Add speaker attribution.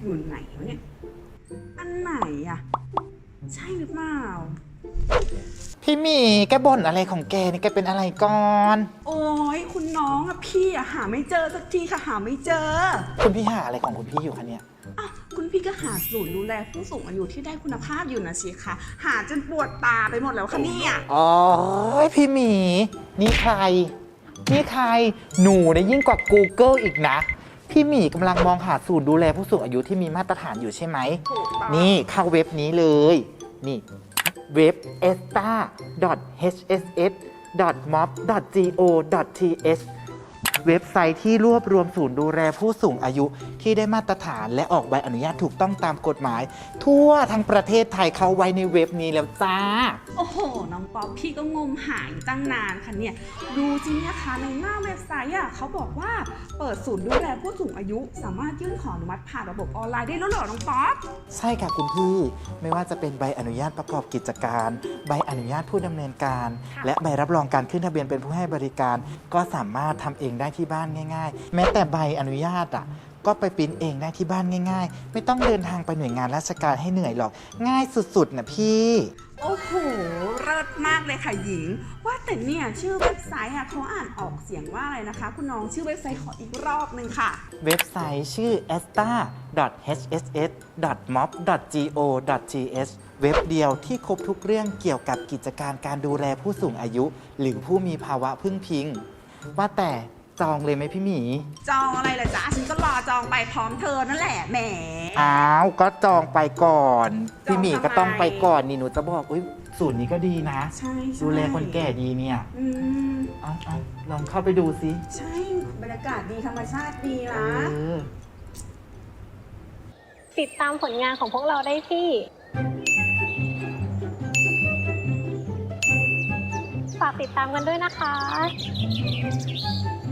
Speaker 1: อยู่ไหนวะเนี่ยอันไหนอะใช่หรือเปล่า
Speaker 2: พี่หมีแกบ่นอะไรของแกนี่แกเป็นอะไรก่อน
Speaker 1: โอ้ยคุณน้องอะพี่อะหาไม่เจอสักทีค่ะหาไม่เจอ
Speaker 2: คุณพี่หาอะไรของคุณพี่อยู่คะเนี่ย
Speaker 1: อ่ะคุณพี่ก็หาศูนย์ดูแลผู้สูงอายุที่ได้คุณภาพอยู่นะสิคะหาจนปวดตาไปหมดแล้วค่ะเนี่ย
Speaker 2: อ๋อพี่หมีนี่ใครหนูเนี่ยยิ่งกว่า Google อีกนะ พี่หมีกำลังมองหาศูนย์ดูแลผู้สูงอายุที่มีมาตรฐานอยู่ใช่ไหม
Speaker 1: ถูกต้อง
Speaker 2: นี่เข้าเว็บนี้เลย นี่เว็บ esta.hss.mob.go.th เว็บไซต์ที่รวบรวมศูนย์ดูแลผู้สูงอายุที่ได้มาตรฐานและออกใบอนุญาตถูกต้องตามกฎหมาย ทั่วทั้งประเทศไทยเข้าไว้ในเว็บนี้แล้วจ้า
Speaker 1: โอ้โหน้องป๊อปพี่ก็งมหาอยู่ตั้งนานค่ะเนี่ยดูจริงนะคะในหน้าเว็บไซต์อ่ะเขาบอกว่าเปิดศูนย์ดูแลผู้สูงอายุสามารถยื่นขออนุมัติผ่านระบบออนไลน์ได้แล้วเหรอน้องป๊อป
Speaker 2: ใช่ค่ะคุณพี่ไม่ว่าจะเป็นใบอนุญาตประกอบกิจการ ใบอนุญาตผู้ดำเนินการ และใบรับรองการขึ้นทะเบียนเป็นผู้ให้บริการ ก็สามารถทำเองได้ที่บ้านง่ายๆ แม้แต่ใบอนุญาตก็ไปปริ้นเองได้ที่บ้านง่ายๆ ไม่ต้องเดินทางไปหน่วยงานราชการให้เหนื่อยหรอกง่ายสุดๆนะพี่
Speaker 1: โอ้โหเลิศมากเลยค่ะหญิง ว่าแต่เนี่ยชื่อเว็บไซต์เขาอ่านออกเสียงว่าอะไรนะคะคุณน้องชื่อเว็บไซต์ขออีกรอบนึงค่ะ
Speaker 2: เว็บไซต์ชื่อ esta.hss.mob.go.th เว็บเดียวที่ครบทุกเรื่องเกี่ยวกับกิจการการดูแลผู้สูงอายุ หรือผู้มีภาวะพึ่งพิง ว่าแต่จองเลยไหมพี่หมี
Speaker 1: จองอะไรล่ะจ๊ะฉันก็รอจองไปพร้อมเธอนั่นแหละแหม
Speaker 2: อ้าวก็จองไปก่อน
Speaker 1: จอง
Speaker 2: พี่หมีก็ต้องไปก่อนนี่หนูจะบอกอุ้ยศูนย์นี้ก็ดีนะ
Speaker 1: ใช่ใช่
Speaker 2: ดูแลคนแก่ดีเนี่ย
Speaker 1: อืม
Speaker 2: เอาลองเข้าไปดูสิ
Speaker 1: ใช่บรรยากาศดีธรรมชาติดี
Speaker 2: เอ
Speaker 1: นะ
Speaker 2: อ
Speaker 3: ติดตามผลงานของพวกเราได้ที่ ฝากติดตามกันด้วยนะคะ